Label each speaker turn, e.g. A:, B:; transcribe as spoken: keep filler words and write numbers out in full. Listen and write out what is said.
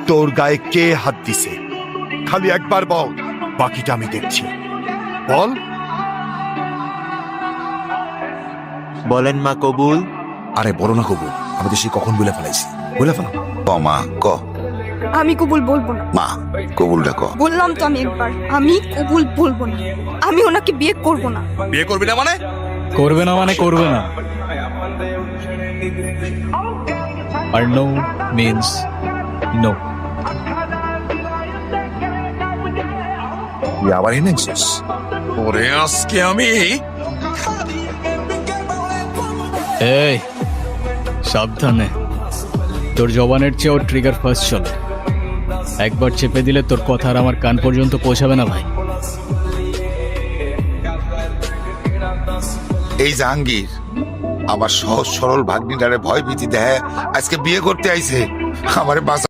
A: তোর গায়ে কে হাত দিছে? খালি একবার বল, বাকিটা আমি দেখছি। বল।
B: বলেন মা কবুল।
C: আরে বলো না কবুল, আমি তো সে কখন বলে ফেলাইছি। বলে ফেলো।
D: ক মা ক।
E: আমি কবুল বলবো না।
D: মা কবুলটা ক।
E: বললাম তো আমি একবার, আমি কবুল বলবো না। আমি ওনাকে বিয়ে করব না।
C: বিয়ে করবি না মানে?
F: করবে না মানে করবে না। আর নো মিন্স নো।
C: তুই আবার এনেছিস? ওরে আজকে আমি
F: এই সাবধানে, তোর জবানের চেয়েও ট্রিগার ফার্স্ট চলে। একবার চেপে দিলে তোর কথা আর আমার কান পর্যন্ত পৌঁছাবে না ভাই।
D: এই জাহাঙ্গীর আমার সহজ সরল ভাগ্নিটারে ভয় ভীতি দেয়, আজকে বিয়ে করতে আইছে। আমারে বাঁচা।